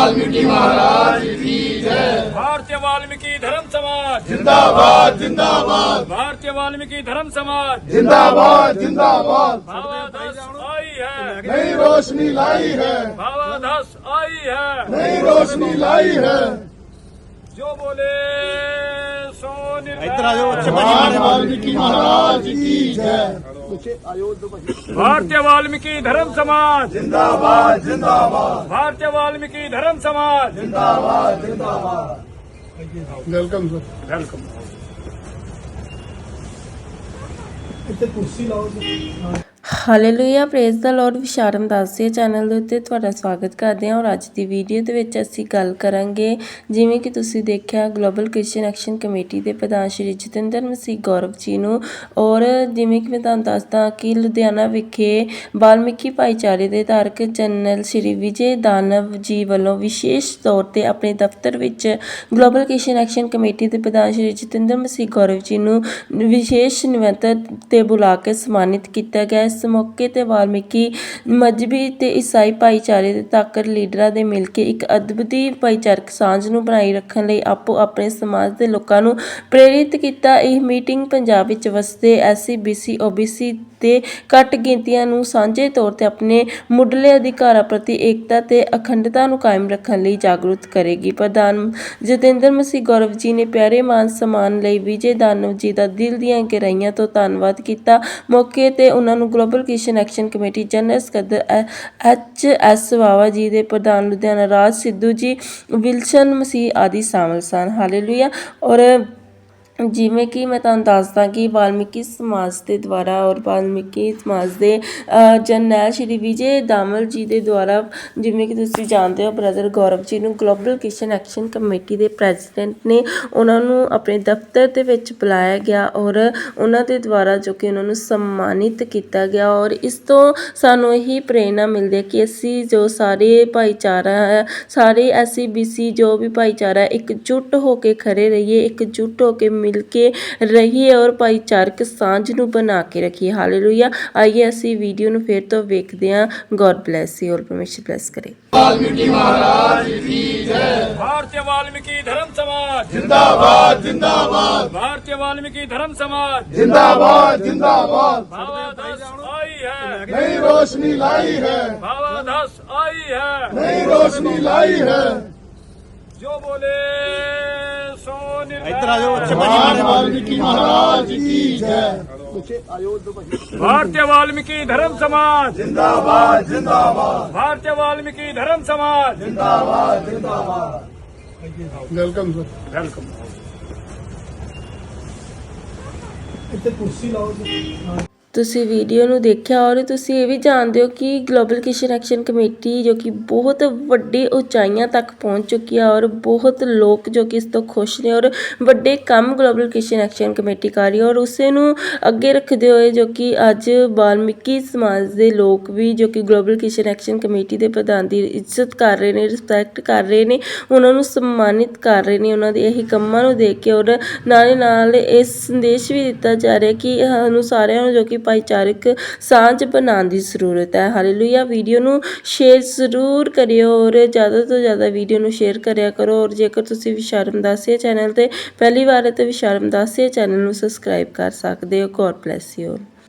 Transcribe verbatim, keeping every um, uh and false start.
वाल्मीकि महाराज की जय। भारतीय वाल्मीकि धर्म समाज जिंदाबाद जिंदाबाद भारतीय वाल्मीकि धर्म समाज जिंदाबाद जिंदाबाद। भावाधस आई है, नई रोशनी लाई है, भावाधस आई है, नई रोशनी लाई है। जो बोले सो भगवान वाल्मीकि महाराज की जय। भारतीय वाल्मीकि धर्म समाज जिंदाबाद जिंदाबाद भारतीय वाल्मीकि धर्म समाज जिंदाबाद जिंदाबाद। Welcome sir. वेलकम। ਇੱਥੇ ਕੁਰਸੀ ਲਾਓ ਜੀ। Hallelujah praise the lord Vishram Das ਦੇ ਚੈਨਲ ਦੇ ਉੱਤੇ ਤੁਹਾਡਾ ਸਵਾਗਤ ਕਰਦੇ ਹਾਂ। ਔਰ ਅੱਜ ਦੀ ਵੀਡੀਓ ਦੇ ਵਿੱਚ ਅਸੀਂ ਗੱਲ ਕਰਾਂਗੇ, ਜਿਵੇਂ ਕਿ ਤੁਸੀਂ ਦੇਖਿਆ, ਗਲੋਬਲ ਕ੍ਰਿਸਚੀਅਨ ਐਕਸ਼ਨ ਕਮੇਟੀ ਦੇ ਪ੍ਰਧਾਨ ਸ਼੍ਰੀ ਜਤਿੰਦਰ ਮਸੀਹ ਗੌਰਵ ਜੀ ਨੂੰ। ਔਰ ਜਿਵੇਂ ਕਿ ਮੈਂ ਤੁਹਾਨੂੰ ਦੱਸਦਾ ਕਿ ਲੁਧਿਆਣਾ ਵਿਖੇ ਵਾਲਮੀਕੀ ਭਾਈਚਾਰੇ ਦੇ ਧਾਰਕ ਜਨਰਲ ਸ਼੍ਰੀ ਵਿਜੇ ਦਾਨਵ ਜੀ ਵੱਲੋਂ ਵਿਸ਼ੇਸ਼ ਤੌਰ 'ਤੇ ਆਪਣੇ ਦਫ਼ਤਰ ਵਿੱਚ ਗਲੋਬਲ ਕ੍ਰਿਸਚੀਅਨ ਐਕਸ਼ਨ ਕਮੇਟੀ ਦੇ ਪ੍ਰਧਾਨ ਸ਼੍ਰੀ ਜਤਿੰਦਰ ਮਸੀਹ ਗੌਰਵ ਜੀ ਨੂੰ ਵਿਸ਼ੇਸ਼ ਨਿਮੰਤਰਣ 'ਤੇ ਬੁਲਾ ਕੇ ਸਨਮਾਨਿਤ ਕੀਤਾ ਗਿਆ। ਇਸ ਮੌਕੇ 'ਤੇ ਵਾਲਮੀਕੀ ਮਜ਼੍ਹਬੀ ਅਤੇ ਈਸਾਈ ਭਾਈਚਾਰੇ ਦੇ ਤਾਕਤ ਲੀਡਰਾਂ ਦੇ ਮਿਲ ਕੇ ਇੱਕ ਅਦਭੁਤੀ ਭਾਈਚਾਰਕ ਸਾਂਝ ਨੂੰ ਬਣਾਈ ਰੱਖਣ ਲਈ ਆਪੋ ਆਪਣੇ ਸਮਾਜ ਦੇ ਲੋਕਾਂ ਨੂੰ ਪ੍ਰੇਰਿਤ ਕੀਤਾ। ਇਹ ਮੀਟਿੰਗ ਪੰਜਾਬ ਵਿੱਚ ਵਸਦੇ S C B C O B C ਤੇ ਘੱਟ ਗਿਣਤੀਆਂ ਨੂੰ ਸਾਂਝੇ ਤੌਰ 'ਤੇ ਆਪਣੇ ਮੁੱਢਲੇ ਅਧਿਕਾਰਾਂ ਪ੍ਰਤੀ ਏਕਤਾ ਤੇ ਅਖੰਡਤਾ ਨੂੰ ਕਾਇਮ ਰੱਖਣ ਲਈ ਜਾਗਰੂਕ ਕਰੇਗੀ। ਪ੍ਰਧਾਨ ਜਤਿੰਦਰ ਮਸੀਹ ਗੌਰਵ ਜੀ ਨੇ ਪਿਆਰੇ ਮਾਨ ਸਨਮਾਨ ਲਈ ਵਿਜੇ ਦਾਨਵ ਜੀ ਦਾ ਦਿਲ ਦੀਆਂ ਗਹਿਰਾਈਆਂ ਤੋਂ ਧੰਨਵਾਦ ਕੀਤਾ। ਮੌਕੇ 'ਤੇ ਉਹਨਾਂ ਨੂੰ global Christian action committee general ਸਕੱਤਰ ਐਚ ਐਸ ਵਾਵਾ ਜੀ ਦੇ ਪ੍ਰਧਾਨ ਲੁਧਿਆਣਾ ਰਾਜ ਸਿੱਧੂ ਜੀ, ਵਿਲਸਨ ਮਸੀਹ ਆਦਿ ਸ਼ਾਮਲ ਸਨ। ਹਾਲੇਲੂਇਆ। ਔਰ ਜਿਵੇਂ ਕਿ ਮੈਂ ਤੁਹਾਨੂੰ ਦੱਸਦਾ ਕਿ ਵਾਲਮੀਕੀ ਸਮਾਜ ਦੇ ਦੁਆਰਾ ਔਰ ਵਾਲਮੀਕੀ ਸਮਾਜ ਦੇ ਜਰਨੈਲ ਸ਼੍ਰੀ ਵਿਜੇ ਦਾਮਲ ਜੀ ਦੇ ਦੁਆਰਾ, ਜਿਵੇਂ ਕਿ ਤੁਸੀਂ ਜਾਣਦੇ ਹੋ, ਬ੍ਰਦਰ ਗੌਰਵ ਜੀ ਨੂੰ ਗਲੋਬਲ ਕ੍ਰਿਸਚੀਅਨ ਐਕਸ਼ਨ ਕਮੇਟੀ ਦੇ ਪ੍ਰੈਜ਼ੀਡੈਂਟ ਨੇ ਉਹਨਾਂ ਨੂੰ ਆਪਣੇ ਦਫ਼ਤਰ ਦੇ ਵਿੱਚ ਬੁਲਾਇਆ ਗਿਆ ਔਰ ਉਹਨਾਂ ਦੇ ਦੁਆਰਾ ਜੋ ਕਿ ਉਹਨਾਂ ਨੂੰ ਸਨਮਾਨਿਤ ਕੀਤਾ ਗਿਆ। ਔਰ ਇਸ ਤੋਂ ਸਾਨੂੰ ਇਹੀ ਪ੍ਰੇਰਨਾ ਮਿਲਦੀ ਹੈ ਕਿ ਅਸੀਂ ਜੋ ਸਾਰੇ ਭਾਈਚਾਰਾ ਹੈ, ਸਾਰੇ ਐਸ ਸੀ ਬੀ ਸੀ ਜੋ ਵੀ ਭਾਈਚਾਰਾ, ਇਕਜੁੱਟ ਹੋ ਕੇ ਖੜੇ ਰਹੀਏ, ਇਕਜੁੱਟ ਹੋ ਕੇ ਮਿਲ ਕੇ ਰਹੀਏ ਔਰ ਭਾਈਚਾਰਕ ਸਾਂਝ ਨੂੰ ਬਣਾ ਕੇ ਰੱਖੀਏ। ਹਾਲੇਲੂਇਆ। ਆਈਏ ਅਸੀਂ ਵੀਡੀਓ ਨੂੰ ਫਿਰ ਤੋਂ ਵੇਖਦੇ ਹਾਂ। ਗੋਡ ਬਲੈਸ ਯੂ ਔਰ ਪਰਮੇਸ਼ਰ ਬਲੈਸ ਕਰੇ। वाल्मीकि महाराज की जय। भारतीय वाल्मीकि धर्म समाज जिंदाबाद जिंदाबाद भारतीय वाल्मीकि धर्म समाज जिंदाबाद जिंदाबाद। भावाधस आई है, नई रोशनी लाई है, भावाधस आई है, नई रोशनी लाई है। जो बोले सो भगवान वाल्मीकि महाराज की जय। भारतीय वाल्मीकि धर्म समाज जिंदाबाद जिंदाबाद भारतीय वाल्मीकि धर्म समाज जिंदाबाद जिंदाबाद। Welcome sir. वेलकम। ਇੱਥੇ ਕੁਰਸੀ ਲਾਓ ਜੀ। ਤੁਸੀਂ ਵੀਡੀਓ ਨੂੰ ਦੇਖਿਆ ਔਰ ਤੁਸੀਂ ਇਹ ਵੀ ਜਾਣਦੇ ਹੋ ਕਿ ਗਲੋਬਲ ਕ੍ਰਿਸਚੀਅਨ ਐਕਸ਼ਨ ਕਮੇਟੀ ਜੋ ਕਿ ਬਹੁਤ ਵੱਡੀ ਉਚਾਈਆਂ ਤੱਕ ਪਹੁੰਚ ਚੁੱਕੀ ਹੈ ਔਰ ਬਹੁਤ ਲੋਕ ਜੋ ਕਿ ਇਸ ਤੋਂ ਖੁਸ਼ ਨੇ ਔਰ ਵੱਡੇ ਕੰਮ ਗਲੋਬਲ ਕ੍ਰਿਸਚੀਅਨ ਐਕਸ਼ਨ ਕਮੇਟੀ ਕਰ ਰਹੀ ਹੈ। ਔਰ ਉਸੇ ਨੂੰ ਅੱਗੇ ਰੱਖਦੇ ਹੋਏ ਜੋ ਕਿ ਅੱਜ ਵਾਲਮੀਕੀ ਸਮਾਜ ਦੇ ਲੋਕ ਵੀ ਜੋ ਕਿ ਗਲੋਬਲ ਕ੍ਰਿਸਚੀਅਨ ਐਕਸ਼ਨ ਕਮੇਟੀ ਦੇ ਪ੍ਰਧਾਨ ਦੀ ਇੱਜ਼ਤ ਕਰ ਰਹੇ ਨੇ, ਰਿਸਪੈਕਟ ਕਰ ਰਹੇ ਨੇ, ਉਹਨਾਂ ਨੂੰ ਸਨਮਾਨਿਤ ਕਰ ਰਹੇ ਨੇ ਉਹਨਾਂ ਦੇ ਇਹੀ ਕੰਮਾਂ ਨੂੰ ਦੇਖ ਕੇ। ਔਰ ਨਾਲੇ ਨਾਲ ਇਹ ਸੰਦੇਸ਼ ਵੀ ਦਿੱਤਾ ਜਾ ਰਿਹਾ ਕਿ ਸਾਨੂੰ ਸਾਰਿਆਂ ਨੂੰ ਜੋ ਕਿ ਭਾਈਚਾਰਕ ਸਾਂਝ ਬਣਾਉਣ ਦੀ ਜ਼ਰੂਰਤ ਹੈ। ਹਾਲੇਲੂਇਆ। ਵੀਡੀਓ ਨੂੰ ਸ਼ੇਅਰ ਜ਼ਰੂਰ ਕਰਿਓ ਔਰ ਜ਼ਿਆਦਾ ਤੋਂ ਜ਼ਿਆਦਾ ਵੀਡੀਓ ਨੂੰ ਸ਼ੇਅਰ ਕਰਿਆ ਕਰੋ। ਔਰ ਜੇਕਰ ਤੁਸੀਂ ਵਿਸ਼ਾਰਮ ਦਾਸੀਆ ਚੈਨਲ 'ਤੇ ਪਹਿਲੀ ਵਾਰ ਹੈ ਤਾਂ ਵਿਸ਼ਾਰਮ ਦਾਸੀਆ ਚੈਨਲ ਨੂੰ ਸਬਸਕ੍ਰਾਈਬ ਕਰ ਸਕਦੇ ਹੋ। God bless you.